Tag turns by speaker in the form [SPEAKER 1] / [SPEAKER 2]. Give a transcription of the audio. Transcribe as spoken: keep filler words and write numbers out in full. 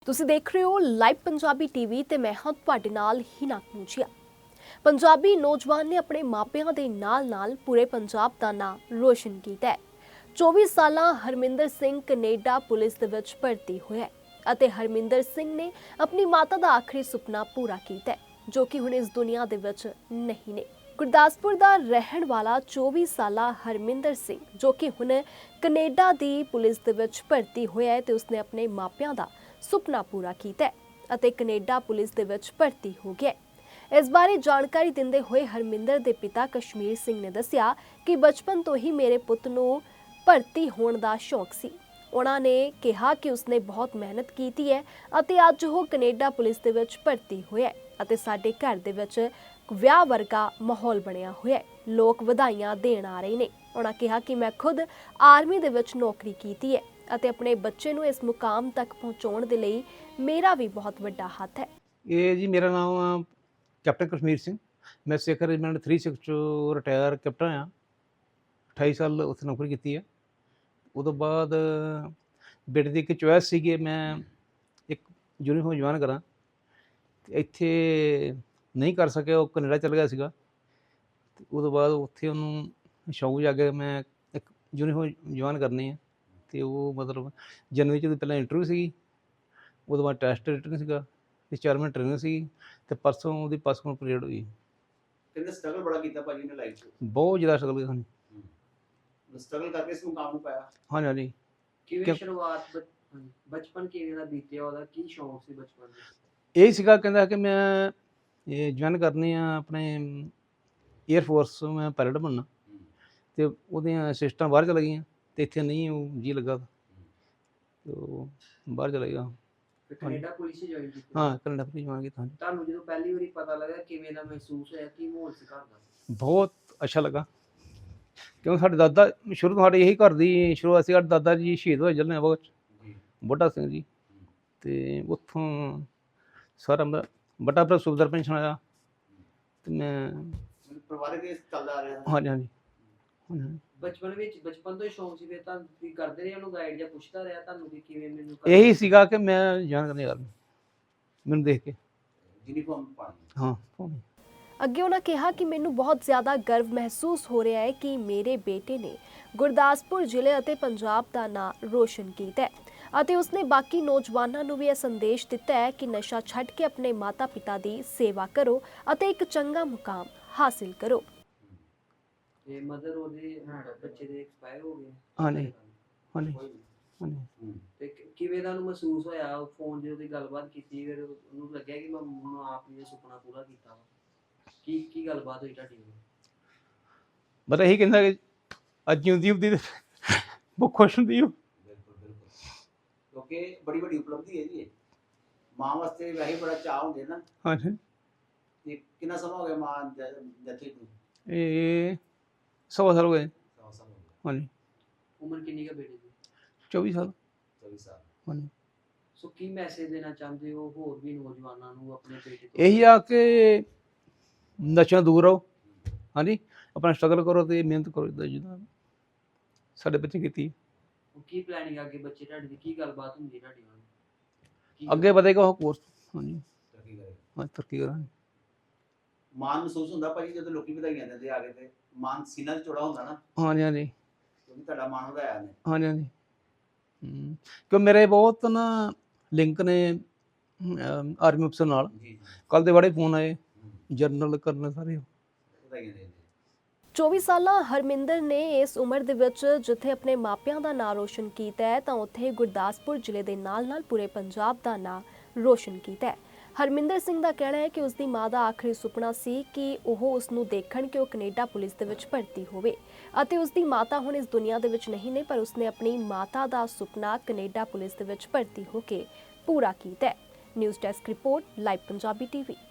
[SPEAKER 1] ਤੁਸੀਂ ਦੇਖ ਰਹੇ ਹੋ ਲਾਈਵ ਪੰਜਾਬੀ ਟੀਵੀ ਤੇ ਮੈਂ ਹਾਂ ਤੁਹਾਡੇ ਨਾਲ ਹੀਨਾ ਕਨੂਚੀਆ। ਪੰਜਾਬੀ ਨੌਜਵਾਨ ਨੇ ਆਪਣੇ ਮਾਪਿਆਂ ਦੇ ਨਾਲ-ਨਾਲ ਪੂਰੇ ਪੰਜਾਬ ਦਾ ਨਾਮ ਰੋਸ਼ਨ ਕੀਤਾ ਹੈ। ਚੌਵੀ ਸਾਲਾ ਹਰਮਿੰਦਰ ਸਿੰਘ ਕੈਨੇਡਾ ਪੁਲਿਸ ਦੇ ਵਿੱਚ ਭਰਤੀ ਹੋਇਆ ਹੈ ਅਤੇ ਹਰਮਿੰਦਰ ਸਿੰਘ ਨੇ ਆਪਣੀ ਮਾਤਾ ਦਾ ਆਖਰੀ ਸੁਪਨਾ ਪੂਰਾ ਕੀਤਾ ਹੈ, ਜੋ ਕਿ ਹੁਣ ਇਸ ਦੁਨੀਆ ਦੇ ਵਿੱਚ ਨਹੀਂ ਨੇ। ਗੁਰਦਾਸਪੁਰ ਦਾ ਰਹਿਣ ਵਾਲਾ ਚੌਵੀ ਸਾਲਾ ਹਰਮਿੰਦਰ ਸਿੰਘ, ਜੋ ਕਿ ਹੁਣ ਕੈਨੇਡਾ ਦੀ ਪੁਲਿਸ ਦੇ ਵਿੱਚ ਭਰਤੀ ਹੋਇਆ ਹੈ ਤੇ ਉਸਨੇ ਆਪਣੇ ਮਾਪਿਆਂ ਦਾ ਸੁਪਨਾ ਪੂਰਾ ਕੀਤਾ ਹੈ ਅਤੇ ਕੈਨੇਡਾ ਪੁਲਿਸ ਦੇ ਵਿੱਚ ਭਰਤੀ ਹੋ ਗਿਆ ਹੈ। ਇਸ ਬਾਰੇ ਜਾਣਕਾਰੀ ਦਿੰਦੇ ਹੋਏ ਹਰਮਿੰਦਰ ਦੇ ਪਿਤਾ ਕਸ਼ਮੀਰ ਸਿੰਘ ਨੇ ਦੱਸਿਆ ਕਿ ਬਚਪਨ ਤੋਂ ਹੀ ਮੇਰੇ ਪੁੱਤ ਨੂੰ ਭਰਤੀ ਹੋਣ ਦਾ ਸ਼ੌਕ ਸੀ। ਉਹਨਾਂ ਨੇ ਕਿਹਾ ਕਿ ਉਸਨੇ ਬਹੁਤ ਮਿਹਨਤ ਕੀਤੀ ਹੈ ਅਤੇ ਅੱਜ ਉਹ ਕੈਨੇਡਾ ਪੁਲਿਸ ਦੇ ਵਿੱਚ ਭਰਤੀ ਹੋਇਆ ਹੈ ਅਤੇ ਸਾਡੇ ਘਰ ਦੇ ਵਿੱਚ ਵਿਆਹ ਵਰਗਾ ਮਾਹੌਲ ਬਣਿਆ ਹੋਇਆ ਹੈ। ਲੋਕ ਵਧਾਈਆਂ ਦੇਣ ਆ ਰਹੇ ਨੇ। ਉਹਨਾਂ ਕਿਹਾ ਕਿ ਮੈਂ ਖੁਦ ਆਰਮੀ ਦੇ ਵਿੱਚ ਨੌਕਰੀ ਕੀਤੀ ਹੈ ਅਤੇ ਆਪਣੇ ਬੱਚੇ ਨੂੰ ਇਸ ਮੁਕਾਮ ਤੱਕ ਪਹੁੰਚਾਉਣ ਦੇ ਲਈ ਮੇਰਾ ਵੀ ਬਹੁਤ ਵੱਡਾ ਹੱਥ ਹੈ।
[SPEAKER 2] ਇਹ ਜੀ ਮੇਰਾ ਨਾਮ ਆ ਕੈਪਟਨ ਕਸ਼ਮੀਰ ਸਿੰਘ। ਮੈਂ ਸਿੱਖ ਰੈਜੀਮੈਂਟ ਥ੍ਰੀ ਸਿਕਸ ਚੋਂ ਰਿਟਾਇਰ ਕੈਪਟਨ ਆ। ਅਠਾਈ ਸਾਲ ਉੱਥੇ ਨੌਕਰੀ ਕੀਤੀ ਹੈ। ਉਦੋਂ ਬਾਅਦ ਬੇਟੇ ਦੀ ਇੱਕ ਚੋਇਸ ਸੀਗੀ ਮੈਂ ਇੱਕ ਯੂਨੀਫਾਰਮ ਜੁਆਇਨ ਕਰਾਂ, ਤੇ ਇੱਥੇ ਨਹੀਂ ਕਰ ਸਕਿਆ। ਉਹ ਕੈਨੇਡਾ ਚਲ ਗਿਆ ਸੀਗਾ। ਤੇ ਉਦੋਂ ਬਾਅਦ ਉੱਥੇ ਉਹਨੂੰ ਸ਼ੌਕ ਜਾ ਕੇ ਮੈਂ ਇੱਕ ਯੂਨੀਫਾਰਮ ਜੁਆਇਨ ਕਰਨੀ ਹੈ। ਤੇ ਉਹ ਮਤਲਬ ਜਨਵਰੀ 'ਚ ਪਹਿਲਾਂ ਇੰਟਰਵਿਊ ਸੀਗੀ, ਉਹਦੇ ਬਾਅਦ ਟੈਸਟ ਰਿਟਨ ਸੀਗਾ ਤੇ ਚਾਰ ਮਹੀਨੇ ਟ੍ਰੇਨਿੰਗ ਸੀਗੀ ਤੇ ਪਰਸੋਂ ਉਹਦੀ ਪਾਸਪੋਰਟ ਪੀਰੀਅਡ ਹੋਈ।
[SPEAKER 3] ਕਹਿੰਦੇ ਸਟਰਗਲ ਬੜਾ ਕੀਤਾ ਭਾਜੀ ਨੇ ਲਾਈਫ 'ਚ।
[SPEAKER 2] ਬਹੁਤ ਜ਼ਿਆਦਾ ਸਟਰਗਲ ਕੀਤਾ ਸਾਨੂੰ।
[SPEAKER 3] ਸਟਰਗਲ ਕਰਕੇ ਇਸ ਮੁਕਾਮ ਨੂੰ ਪਾਇਆ।
[SPEAKER 2] ਹਾਂਜੀ ਹਾਂਜੀ।
[SPEAKER 4] ਕਿਵੇਂ ਸ਼ੁਰੂਆਤ ਬਚਪਨ ਕਿਵੇਂ ਦਾ ਬੀਤਿਆ, ਉਹਦਾ ਕੀ ਸ਼ੌਂਕ ਸੀ ਬਚਪਨ ਦਾ?
[SPEAKER 2] ਇਹ ਸੀਗਾ, ਕਹਿੰਦਾ ਕਿ ਮੈਂ ਇਹ ਜੁਆਇਨ ਕਰਨੀ ਆ ਆਪਣੇ ਏਅਰ ਫੋਰਸ, ਮੈਂ ਪਾਇਲਟ ਬਣਨਾ। ਤੇ ਉਹਦੀਆਂ ਸਿਸਟਾਂ ਬਾਹਰ ਚਲ ਗਈਆਂ ਤੇ ਇੱਥੇ ਨਹੀਂ ਉਹ ਜੀ ਲੱਗਾ ਤੇ ਉਹ ਬਾਹਰ ਚਲਾ ਗਿਆ।
[SPEAKER 4] ਫਿਰ ਕੈਨੇਡਾ ਪੁਲਿਸ ਹੀ ਜੁਆਇਨ ਕੀਤੀ?
[SPEAKER 2] ਹਾਂ, ਕੈਨੇਡਾ ਪੁਲਿਸ ਜੁਆਇਨ ਕੀਤਾ।
[SPEAKER 4] ਤੁਹਾਨੂੰ ਜਦੋਂ ਪਹਿਲੀ ਵਾਰੀ ਪਤਾ ਲੱਗਾ ਕਿਵੇਂ ਦਾ ਮਹਿਸੂਸ ਹੋਇਆ, ਕੀ ਮਾਹੌਲ ਸੀ ਘਰ ਦਾ?
[SPEAKER 2] ਬਹੁਤ ਅੱਛਾ ਲੱਗਾ, ਕਿਉਂਕਿ ਸਾਡੇ ਦਾਦਾ ਸ਼ੁਰੂ ਤੋਂ ਸਾਡੇ ਇਹੀ ਘਰ ਦੀ ਸ਼ੁਰੂਆਤ ਸੀ। ਸਾਡੇ ਦਾਦਾ ਜੀ ਸ਼ਹੀਦ ਹੋਏ ਜਲਿਆਂਵਾਲਾ ਬਾਗ 'ਚ, ਬੁੱਢਾ ਸਿੰਘ ਜੀ। ਤੇ ਉੱਥੋਂ ਸਾਰਾ ਮੇਰਾ ਵੱਡਾ ਭਰਾ ਸੁਬੇਦਾਰ ਪੈਨਸ਼ਨ ਆਇਆ ਤੇ ਮੈਂ
[SPEAKER 3] ਪਰਿਵਾਰਕ ਇਸ ਚੱਲਦਾ ਆ ਰਿਹਾ।
[SPEAKER 2] ਹਾਂਜੀ ਹਾਂਜੀ ਹਾਂਜੀ।
[SPEAKER 4] ਬਚਪਨ ਵਿੱਚ ਬਚਪਨ ਤੋਂ ਹੀ ਸ਼ੌਂਕ ਸੀ ਫਿਰ ਤਾਂ ਤੁਸੀਂ ਕਰਦੇ ਰਹੇ ਉਹਨੂੰ ਗਾਈਡ ਜਾਂ ਪੁੱਛਦਾ ਰਿਹਾ ਤੁਹਾਨੂੰ ਕਿ ਕਿਵੇਂ ਮੈਨੂੰ?
[SPEAKER 2] ਇਹੀ ਸੀਗਾ ਕਿ ਮੈਂ ਜਾਣ ਕਰਨੀ ਕਰਨੀ ਮੈਨੂੰ ਦੇਖ ਕੇ।
[SPEAKER 3] ਯੂਨੀਫਾਰਮ ਪਾਣੀ।
[SPEAKER 2] ਹਾਂ ਪਾਉਣੀ।
[SPEAKER 1] ਅੱਗੇ ਉਹਨਾਂ ਕਿਹਾ ਕਿ ਮੈਨੂੰ ਬਹੁਤ ਜ਼ਿਆਦਾ ਗਰਵ ਮਹਿਸੂਸ ਹੋ ਰਿਹਾ ਹੈ ਕਿ ਮੇਰੇ ਬੇਟੇ ਨੇ ਗੁਰਦਾਸਪੁਰ ਜ਼ਿਲ੍ਹੇ ਅਤੇ ਪੰਜਾਬ ਦਾ ਨਾਮ ਰੋਸ਼ਨ ਕੀਤਾ ਹੈ ਅਤੇ ਉਸਨੇ ਬਾਕੀ ਨੌਜਵਾਨਾਂ ਨੂੰ ਵੀ ਇਹ ਸੰਦੇਸ਼ ਦਿੱਤਾ ਹੈ ਕਿ ਨਸ਼ਾ ਛੱਡ ਕੇ ਆਪਣੇ ਮਾਤਾ ਪਿਤਾ ਦੀ ਸੇਵਾ ਕਰੋ ਅਤੇ ਇੱਕ ਚੰਗਾ ਮੁਕਾਮ ਹਾਸਿਲ ਕਰੋ।
[SPEAKER 4] ਤੇ ਮਦਰ ਉਹਦੇ ਬੱਚੇ ਦੇ ਐਕਸਪਾਇਰ ਹੋ ਗਏ?
[SPEAKER 2] ਹਾਂਜੀ ਹਾਂਜੀ ਹਾਂਜੀ।
[SPEAKER 4] ਤੇ ਕਿਵੇਂ ਦਾ ਉਹਨੂੰ ਮਹਿਸੂਸ ਹੋਇਆ? ਫੋਨ 'ਤੇ ਉਹਦੀ ਗੱਲਬਾਤ ਕੀਤੀ, ਫਿਰ ਉਹਨੂੰ ਲੱਗਿਆ ਕਿ ਮੈਂ ਮਾਂ ਆਪਣੀ ਸੁਪਨਾ ਪੂਰਾ ਕੀਤਾ ਵਾ? ਕੀ ਕੀ ਗੱਲਬਾਤ ਹੋਈ ਤੁਹਾਡੀ?
[SPEAKER 2] ਬਸ ਇਹੀ ਕਹਿੰਦਾ ਕਿ ਅੱਜ ਜਿਉਂਦੀ ਹੁੰਦੀ ਤੇ ਬਹੁਤ ਖੁਸ਼ ਹੁੰਦੀ ਉਹ।
[SPEAKER 3] ਬਿਲਕੁਲ ਬਿਲਕੁਲ, ਕਿਉਂਕਿ ਬੜੀ ਵੱਡੀ ਉਪਲਬਧੀ ਹੈ ਜੀ ਇਹ। ਮਾਂ ਵਾਸਤੇ ਵੈਸੇ ਬੜਾ ਚਾਅ ਹੁੰਦੇ ਨਾ।
[SPEAKER 2] ਹਾਂਜੀ।
[SPEAKER 3] ਤੇ ਕਿੰਨਾ ਸਮਾਂ ਹੋ ਗਿਆ ਮਾਂ ਜੱਥੇ ਨੂੰ?
[SPEAKER 2] ਇਹ ਸਵਾ ਸਾਲ ਹੋ ਗਏ।
[SPEAKER 3] ਸਵਾ ਸਾਲ ਹੋ ਗਿਆ।
[SPEAKER 2] ਹਾਂਜੀ।
[SPEAKER 4] ਉਮਰ ਕਿੰਨੀ ਕੁ ਬੇਟੇ ਦੀ?
[SPEAKER 2] ਚੌਵੀ ਸਾਲ।
[SPEAKER 3] ਚੌਵੀ ਸਾਲ।
[SPEAKER 2] ਹਾਂਜੀ।
[SPEAKER 4] ਸੋ ਕੀ ਮੈਸੇਜ ਦੇਣਾ ਚਾਹੁੰਦੇ ਹੋ ਹੋਰ ਵੀ ਨੌਜਵਾਨਾਂ ਨੂੰ ਆਪਣੇ ਬੇਟੇ ਤੋਂ?
[SPEAKER 2] ਇਹੀ ਆ ਕਿ ਨਸ਼ਿਆਂ ਦੂਰ ਰਹੋ। ਹਾਂਜੀ, ਆਪਣਾ ਸਟਰਗਲ ਕਰੋ ਤੇ ਮਿਹਨਤ ਕਰੋ ਜਿੱਦਾਂ ਜਿੱਦਾਂ ਸਾਡੇ ਬੱਚੇ ਕੀਤੀ।
[SPEAKER 4] ਕੀ ਪਲੈਨਿੰਗ ਅੱਗੇ ਬੱਚੇ ਤੁਹਾਡੇ ਦੀ? ਕੀ ਗੱਲਬਾਤ ਹੁੰਦੀ ਹੈ ਤੁਹਾਡੀ ਨਾਲ?
[SPEAKER 2] ਅੱਗੇ ਵਧੇਗਾ ਉਹ ਕੋਰਸ। ਹਾਂਜੀ
[SPEAKER 3] ਤਰੱਕੀ ਕਰੇ।
[SPEAKER 2] ਹਾਂ, ਤਰੱਕੀ ਕਰਾਂਗੇ।
[SPEAKER 3] ਮਾਣ ਮਹਿਸੂਸ ਹੁੰਦਾ ਭਾਜੀ ਜਦੋਂ ਲੋਕੀ ਵਧਾਈਆਂ ਦਿੰਦੇ ਆ ਕੇ? ਤੇ ਮਾਣ ਸੀਨਾ 'ਚ ਚੌੜਾ ਹੁੰਦਾ ਨਾ,
[SPEAKER 2] ਹਾਂਜੀ ਹਾਂਜੀ
[SPEAKER 3] ਕਿਉਂਕਿ ਤੁਹਾਡਾ ਮਾਣ ਵਧਾਇਆ ਨੇ।
[SPEAKER 2] ਹਾਂਜੀ ਹਾਂਜੀ। ਹੂੰ, ਕਿਉਂ ਮੇਰੇ ਬਹੁਤ ਨਾ ਲਿੰਕ ਨੇ ਆਰਮੀ ਅਫਸਰ ਨਾਲ।
[SPEAKER 3] ਜੀ ਜੀ।
[SPEAKER 2] ਕੱਲ੍ਹ ਦੇ ਬੜੇ ਫੋਨ ਆਏ, ਜਰਨਲ ਕਰਨਲ ਸਾਰੇ।
[SPEAKER 3] ਵਧਾਈਆਂ ਦੇ।
[SPEAKER 1] ਚੌਵੀ ਸਾਲਾ ਹਰਮਿੰਦਰ ਨੇ ਇਸ ਉਮਰ ਦੇ ਵਿੱਚ ਜਿੱਥੇ ਆਪਣੇ ਮਾਪਿਆਂ ਦਾ ਨਾਮ ਰੋਸ਼ਨ ਕੀਤਾ ਹੈ ਤਾਂ ਉੱਥੇ ਗੁਰਦਾਸਪੁਰ ਜ਼ਿਲ੍ਹੇ ਦੇ ਨਾਲ-ਨਾਲ ਪੂਰੇ ਪੰਜਾਬ ਦਾ ਨਾਮ ਰੋਸ਼ਨ ਕੀਤਾ ਹੈ। ਹਰਮਿੰਦਰ ਸਿੰਘ ਦਾ ਕਹਿਣਾ ਹੈ ਕਿ ਉਸਦੀ ਮਾਂ ਦਾ ਆਖਰੀ ਸੁਪਨਾ ਸੀ ਕਿ ਉਹ ਉਸ ਨੂੰ ਦੇਖਣ ਕਿ ਉਹ ਕੈਨੇਡਾ ਪੁਲਿਸ ਦੇ ਵਿੱਚ ਭਰਤੀ ਹੋਵੇ ਅਤੇ ਉਸਦੀ ਮਾਤਾ ਹੁਣ ਇਸ ਦੁਨੀਆ ਦੇ ਵਿੱਚ ਨਹੀਂ ਨੇ, ਪਰ ਉਸਨੇ ਆਪਣੀ ਮਾਤਾ ਦਾ ਸੁਪਨਾ ਕੈਨੇਡਾ ਪੁਲਿਸ ਦੇ ਵਿੱਚ ਭਰਤੀ ਹੋ ਕੇ ਪੂਰਾ ਕੀਤਾ ਹੈ। News desk report, live Punjabi TV.